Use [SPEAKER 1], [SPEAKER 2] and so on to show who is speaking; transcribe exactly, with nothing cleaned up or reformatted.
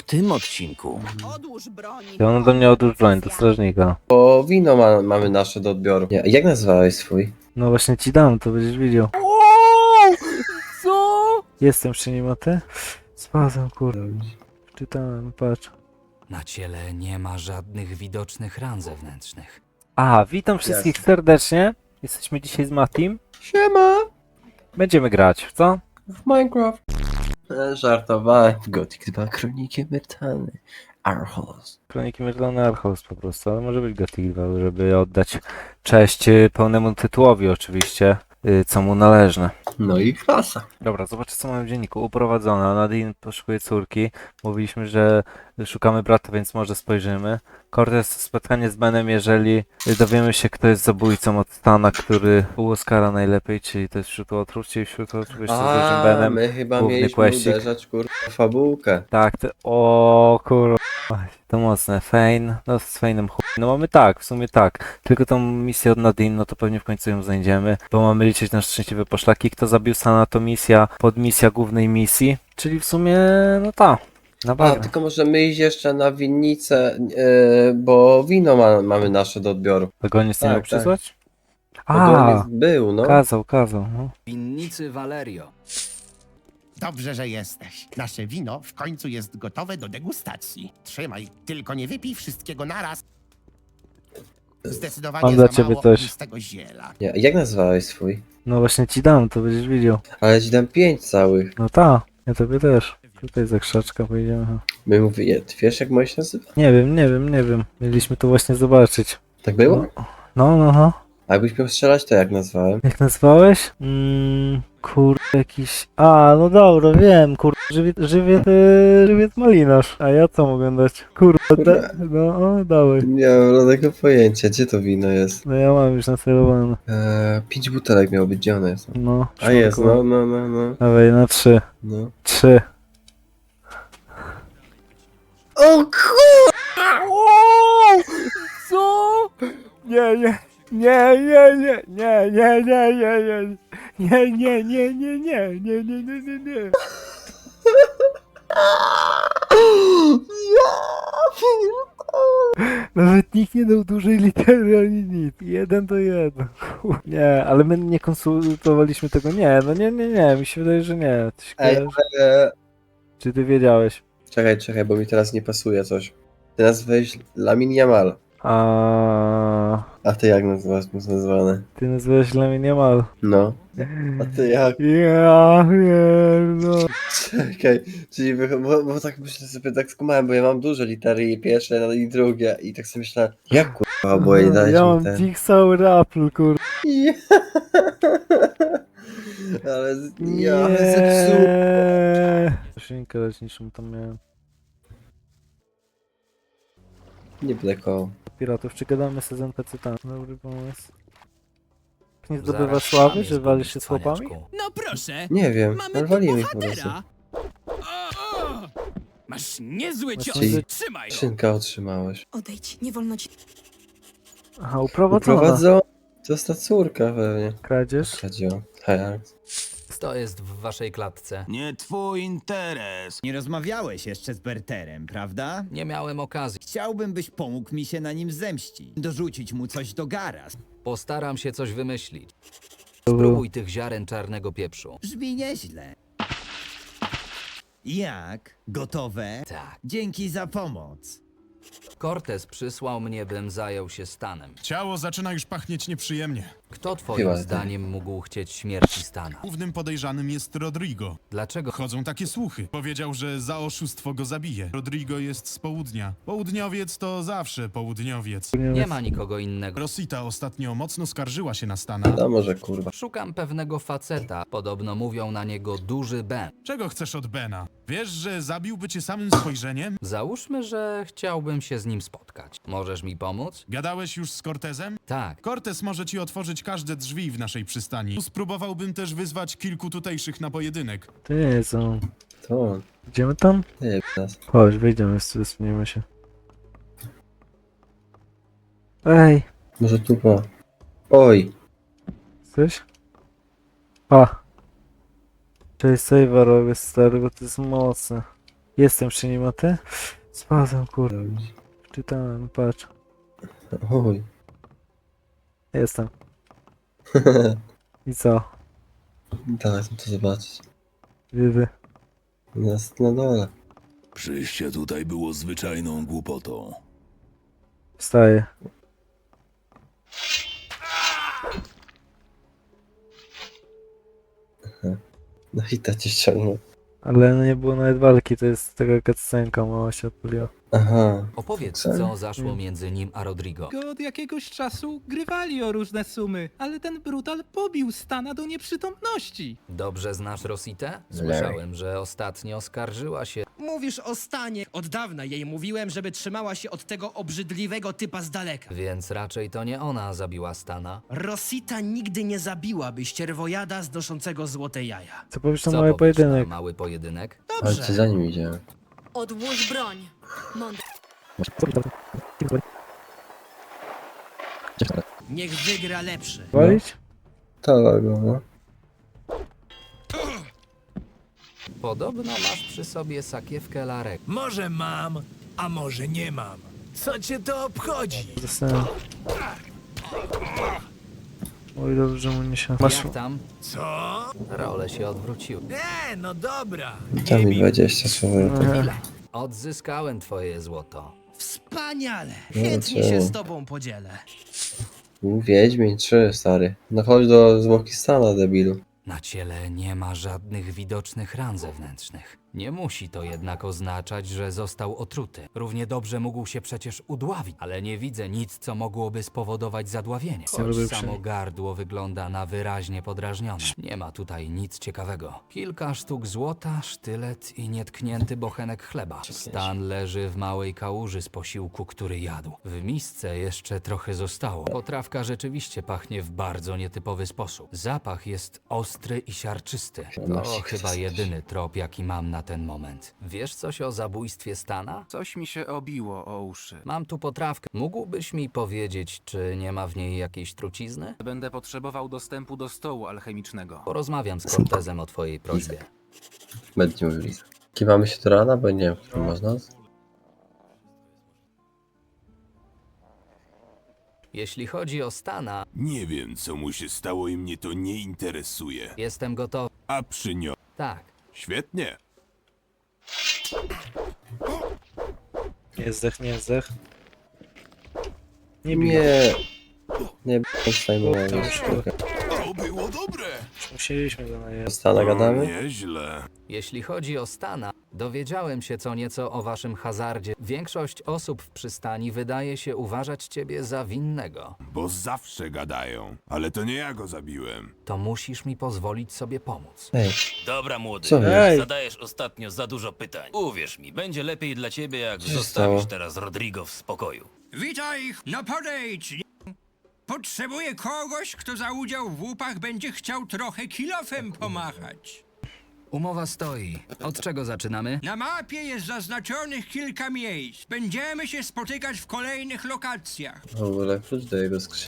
[SPEAKER 1] tym odcinku.
[SPEAKER 2] Odłóż broń.
[SPEAKER 3] I ono do mnie odłóż broń, do strażnika.
[SPEAKER 4] Bo wino ma, mamy nasze do odbioru. Nie, jak nazwałeś swój?
[SPEAKER 3] No właśnie ci dam, to będziesz widział.
[SPEAKER 2] Co?
[SPEAKER 3] Jestem przy nim, a ty? Spadłem, kurde. Czytałem, patrz.
[SPEAKER 1] Na ciele nie ma żadnych widocznych ran zewnętrznych.
[SPEAKER 3] A, witam wszystkich
[SPEAKER 4] Jasne.
[SPEAKER 3] serdecznie. Jesteśmy dzisiaj z Matim.
[SPEAKER 4] Siema!
[SPEAKER 3] Będziemy grać, w co?
[SPEAKER 4] W Minecraft. E, żartowałem. Gothic dwa, Kroniki Myrtany. Archos.
[SPEAKER 3] Kroniki Myrtany Archos po prostu, ale może być Gothic dwa, żeby oddać cześć y, pełnemu tytułowi oczywiście, y, co mu należne.
[SPEAKER 4] No i klasa.
[SPEAKER 3] Dobra, zobaczcie co mamy w dzienniku. Uprowadzona, Nadine poszukuje córki. Mówiliśmy, że szukamy brata, więc może spojrzymy. Cortez spotkanie z Benem, jeżeli dowiemy się, kto jest zabójcą od Stana, który u Oscara najlepiej, czyli to jest wśród otruć, czyli wśród otruć jeszcze z dużym
[SPEAKER 4] A,
[SPEAKER 3] Benem.
[SPEAKER 4] my chyba
[SPEAKER 3] główny
[SPEAKER 4] mieliśmy
[SPEAKER 3] questik.
[SPEAKER 4] uderzać kurwa w fabułkę.
[SPEAKER 3] Tak, to... o kurwa. To mocne. Fein, no z Feinem chuj. No mamy tak, w sumie tak. Tylko tą misję od Nadine, no to pewnie w końcu ją znajdziemy, bo mamy liczyć na szczęśliwe poszlaki. Kto zabił Stana, to misja, podmisja głównej misji, czyli w sumie, no ta. Na
[SPEAKER 4] A,
[SPEAKER 3] bagno.
[SPEAKER 4] tylko możemy iść jeszcze na winnicę, e, bo wino ma, mamy nasze do odbioru.
[SPEAKER 3] Wagoniec nie
[SPEAKER 4] Tak,
[SPEAKER 3] miał
[SPEAKER 4] tak.
[SPEAKER 3] przysłać?
[SPEAKER 4] Ogólnie
[SPEAKER 3] A,
[SPEAKER 4] był, no.
[SPEAKER 3] kazał, kazał. No.
[SPEAKER 1] Winnicy Valerio.
[SPEAKER 5] Dobrze, że jesteś. Nasze wino w końcu jest gotowe do degustacji. Trzymaj, tylko nie wypij wszystkiego naraz. Zdecydowanie
[SPEAKER 3] Mam dla
[SPEAKER 5] za
[SPEAKER 3] ciebie
[SPEAKER 5] mało
[SPEAKER 3] coś.
[SPEAKER 5] z tego ziela.
[SPEAKER 4] Nie, jak nazwałeś swój?
[SPEAKER 3] no właśnie ci dam, to będziesz widział.
[SPEAKER 4] Ale ci dam pięć całych.
[SPEAKER 3] No ta, ja tobie też. Tutaj za krzaczka pojedziemy.
[SPEAKER 4] My mówię, wiesz jak moje się nazywa?
[SPEAKER 3] Nie wiem, nie wiem, nie wiem. Mieliśmy to właśnie zobaczyć.
[SPEAKER 4] Tak było?
[SPEAKER 3] No, no, no.
[SPEAKER 4] A jakbyś miał strzelać, to jak nazwałem?
[SPEAKER 3] Jak nazwałeś? Mm, kurde, jakiś... A, no dobra, wiem, kurde, żywiec, żywiec, yy, żywiec malinarz. A ja co mogę dać? Kurde, da, no, o, dawaj.
[SPEAKER 4] Nie mam żadnego pojęcia, gdzie to wino jest.
[SPEAKER 3] No ja mam już nacelowane.
[SPEAKER 4] Eee, pięć butelek miało być, gdzie one jest?
[SPEAKER 3] No,
[SPEAKER 4] A jest,
[SPEAKER 3] szybko.
[SPEAKER 4] no, no, no, no.
[SPEAKER 3] Dawaj, na trzy.
[SPEAKER 4] no.
[SPEAKER 3] Trzy.
[SPEAKER 4] O kurwa!
[SPEAKER 3] Co? Nie, nie. Nie, nie, nie, nie, nie, nie, nie, nie, nie, nie, nie, nie, nie, nie, nie, nie, nie, nie. Nawet nikt nie dał dużej litery ani nic. Jeden to jeden. Kur- Nie, ale my nie konsultowaliśmy tego. Nie, no nie, nie, nie. Mi się wydaje, że nie. Ty się
[SPEAKER 4] Ej,
[SPEAKER 3] kojarzy?
[SPEAKER 4] ale...
[SPEAKER 3] Czy ty wiedziałeś?
[SPEAKER 4] Czekaj, czekaj, bo mi teraz nie pasuje coś. Ty nazwałeś Lamin Yamal.
[SPEAKER 3] A
[SPEAKER 4] A ty jak nazywasz nazwane?
[SPEAKER 3] ty nazywałeś Lamin Yamal.
[SPEAKER 4] No. A ty jak?
[SPEAKER 3] Ja wiem, no.
[SPEAKER 4] Czekaj, czyli wy... bo, bo tak myślę sobie, tak skumałem, bo ja mam duże litery i pierwsze no i drugie i tak sobie myślałem, jak kurwa oboje dać
[SPEAKER 3] Ja
[SPEAKER 4] mi
[SPEAKER 3] mam
[SPEAKER 4] ten...
[SPEAKER 3] Big Sour Apple, kur...
[SPEAKER 4] Ja. Ale z- ja ale zepsułem.
[SPEAKER 3] Nie. Szynkę leczniczą tam miałem.
[SPEAKER 4] Nie blekował.
[SPEAKER 3] Piratów, czy gadamy z N P C tam? Dobry pomysł. Nie
[SPEAKER 1] Zaraz
[SPEAKER 3] zdobywa
[SPEAKER 1] sam
[SPEAKER 3] sławy,
[SPEAKER 1] jest
[SPEAKER 3] że walisz się
[SPEAKER 1] gubić,
[SPEAKER 3] z chłopami?
[SPEAKER 1] cwaniaczku.
[SPEAKER 2] No proszę.
[SPEAKER 4] Nie wiem,
[SPEAKER 2] Mamy
[SPEAKER 4] ale
[SPEAKER 2] tu
[SPEAKER 4] walimy ich po prostu.
[SPEAKER 2] bohatera. O, o. Masz niezły
[SPEAKER 3] Masz
[SPEAKER 2] cios.
[SPEAKER 3] niezły-
[SPEAKER 2] Trzymaj go.
[SPEAKER 4] Szynka otrzymałeś.
[SPEAKER 6] Odejdź, nie wolno ci.
[SPEAKER 3] Aha, uprowadzona.
[SPEAKER 4] Uprowadzą. To jest ta córka pewnie.
[SPEAKER 3] Kradzież?
[SPEAKER 4] Kradziła. Hej,
[SPEAKER 1] Kto jest w waszej klatce?
[SPEAKER 7] Nie twój interes.
[SPEAKER 8] Nie rozmawiałeś jeszcze z Berterem, prawda?
[SPEAKER 1] Nie miałem okazji.
[SPEAKER 8] Chciałbym, byś pomógł mi się na nim zemścić. Dorzucić mu coś do garaz.
[SPEAKER 1] Postaram się coś wymyślić. Spróbuj tych ziaren czarnego pieprzu.
[SPEAKER 8] Brzmi nieźle. Jak? Gotowe?
[SPEAKER 1] Tak.
[SPEAKER 8] Dzięki za pomoc.
[SPEAKER 1] Cortez przysłał mnie, bym zajął się Stanem.
[SPEAKER 7] Ciało zaczyna już pachnieć nieprzyjemnie.
[SPEAKER 1] Kto twoim
[SPEAKER 4] Chyba tak.
[SPEAKER 1] zdaniem mógł chcieć śmierci Stana?
[SPEAKER 7] Głównym podejrzanym jest Rodrigo.
[SPEAKER 1] Dlaczego?
[SPEAKER 7] Chodzą takie słuchy. Powiedział, że za oszustwo go zabije. Rodrigo jest z południa. Południowiec to zawsze południowiec.
[SPEAKER 1] Nie ma nikogo innego.
[SPEAKER 7] Rosita ostatnio mocno skarżyła się na Stana.
[SPEAKER 4] no może kurwa.
[SPEAKER 1] Szukam pewnego faceta. Podobno mówią na niego Duży Ben.
[SPEAKER 7] Czego chcesz od Bena? Wiesz, że zabiłby cię samym spojrzeniem?
[SPEAKER 1] Załóżmy, że chciałbym się z nim spotkać. Możesz mi pomóc?
[SPEAKER 7] Gadałeś już z Cortezem?
[SPEAKER 1] Tak.
[SPEAKER 7] Cortez może ci otworzyć każde drzwi w naszej przystani. Spróbowałbym też wyzwać kilku tutejszych na pojedynek.
[SPEAKER 3] Ty, co?
[SPEAKER 4] To on.
[SPEAKER 3] Idziemy tam?
[SPEAKER 4] Nie nas.
[SPEAKER 3] Chodź, wyjdziemy, wspomnimy się. Ej,
[SPEAKER 4] Może tu po. Oj.
[SPEAKER 3] coś? A. Cześć, save'a robię, stary, bo to jest mocne. Jestem przy nim, a ty? Spadłem, kurde. Czytałem, patrz.
[SPEAKER 4] Oj.
[SPEAKER 3] Jestem. I co?
[SPEAKER 4] Dawaj, chcę to zobaczyć.
[SPEAKER 3] Wy,
[SPEAKER 4] Jest na dole.
[SPEAKER 2] Przyjście tutaj było zwyczajną głupotą.
[SPEAKER 3] Wstaję.
[SPEAKER 4] No i ta cię ściągnął.
[SPEAKER 3] Ale no nie było nawet walki, to jest taka cutscenka, mała się odpaliła.
[SPEAKER 4] Aha.
[SPEAKER 1] Opowiedz,
[SPEAKER 4] Co?
[SPEAKER 1] co zaszło między nim a Rodrigo.
[SPEAKER 6] Go od jakiegoś czasu grywali o różne sumy, ale ten brutal pobił Stana do nieprzytomności.
[SPEAKER 1] Dobrze znasz Rositę? Słyszałem, że ostatnio skarżyła się.
[SPEAKER 9] Mówisz o Stanie. Od dawna jej mówiłem, żeby trzymała się od tego obrzydliwego typa z daleka.
[SPEAKER 1] Więc raczej to nie ona zabiła Stana.
[SPEAKER 9] Rosita nigdy nie zabiłaby ścierwojada znoszącego złote jaja.
[SPEAKER 3] Co powiesz na
[SPEAKER 1] Co
[SPEAKER 3] mały
[SPEAKER 1] powiesz
[SPEAKER 3] pojedynek?
[SPEAKER 1] na mały pojedynek?
[SPEAKER 4] Ale ci za nim idzie.
[SPEAKER 10] Odłóż broń. Mądre.
[SPEAKER 9] Niech wygra lepszy.
[SPEAKER 3] Walić?
[SPEAKER 4] To go, no.
[SPEAKER 1] Podobno masz przy sobie sakiewkę Larek.
[SPEAKER 2] Może mam, a może nie mam. Co cię to obchodzi?
[SPEAKER 3] Zostałem. Oj, dobrze, że mu nie się... Masz...
[SPEAKER 1] Jak tam?
[SPEAKER 2] Co?
[SPEAKER 1] Role się odwróciły.
[SPEAKER 2] Nie, no dobra.
[SPEAKER 4] Tam mi dwadzieścia słów.
[SPEAKER 3] Aha.
[SPEAKER 1] Odzyskałem twoje złoto.
[SPEAKER 9] Wspaniale.
[SPEAKER 4] No,
[SPEAKER 9] Chętnie
[SPEAKER 4] co?
[SPEAKER 9] się z tobą podzielę.
[SPEAKER 4] Wiedźmin trzy, stary. No chodź do Zwokistana, debilu.
[SPEAKER 1] Na ciele nie ma żadnych widocznych ran zewnętrznych. Nie musi to jednak oznaczać, że został otruty. Równie dobrze mógł się przecież udławić, ale nie widzę nic, co mogłoby spowodować zadławienie. Choć
[SPEAKER 3] lubię
[SPEAKER 1] samo
[SPEAKER 3] przynajmniej.
[SPEAKER 1] gardło wygląda na wyraźnie podrażnione. Nie ma tutaj nic ciekawego. Kilka sztuk złota, sztylet i nietknięty bochenek chleba. Stan leży w małej kałuży z posiłku, który jadł. W misce jeszcze trochę zostało. Potrawka rzeczywiście pachnie w bardzo nietypowy sposób. Zapach jest ostry i siarczysty. To chyba jedyny trop, jaki mam na ten moment. Wiesz coś o zabójstwie Stana?
[SPEAKER 11] Coś mi się obiło o uszy.
[SPEAKER 1] Mam tu potrawkę. Mógłbyś mi powiedzieć, czy nie ma w niej jakiejś trucizny?
[SPEAKER 11] Będę potrzebował dostępu do stołu alchemicznego.
[SPEAKER 1] Porozmawiam z Cortezem o twojej prośbie.
[SPEAKER 4] Będzie mówili. Kiwamy się do rana, bo nie wiem, który można.
[SPEAKER 1] Jeśli chodzi o Stana,
[SPEAKER 2] Nie wiem, co mu się stało i mnie to nie interesuje.
[SPEAKER 1] jestem gotowy.
[SPEAKER 2] A przy nią...
[SPEAKER 1] Tak.
[SPEAKER 2] Świetnie.
[SPEAKER 3] Nie zdech, nie zdech. Nie bij.
[SPEAKER 4] Nie. Nie b***ę sztukę.
[SPEAKER 2] To było dobre.
[SPEAKER 3] Musieliśmy go najechać.
[SPEAKER 4] Stana gadamy?
[SPEAKER 2] Nieźle.
[SPEAKER 1] Jeśli chodzi o Stana, dowiedziałem się co nieco o waszym hazardzie. Większość osób w przystani wydaje się uważać ciebie za winnego.
[SPEAKER 2] Bo zawsze gadają. Ale to nie ja go zabiłem.
[SPEAKER 1] To musisz mi pozwolić sobie pomóc.
[SPEAKER 4] Ej,
[SPEAKER 12] Dobra, młody.
[SPEAKER 4] co jest?
[SPEAKER 3] Ej!
[SPEAKER 12] Zadajesz ostatnio za dużo pytań. Uwierz mi, będzie lepiej dla ciebie, jak
[SPEAKER 4] się
[SPEAKER 12] zostawisz
[SPEAKER 4] stało?
[SPEAKER 12] teraz Rodrigo w spokoju.
[SPEAKER 2] Witaj, no podejdź. Potrzebuję kogoś, kto za udział w łupach będzie chciał trochę kilofem pomachać.
[SPEAKER 1] Umowa stoi. Od czego zaczynamy?
[SPEAKER 2] Na mapie jest zaznaczonych kilka miejsc. Będziemy się spotykać w kolejnych lokacjach.
[SPEAKER 4] W ogóle klucz do jego skrzyni.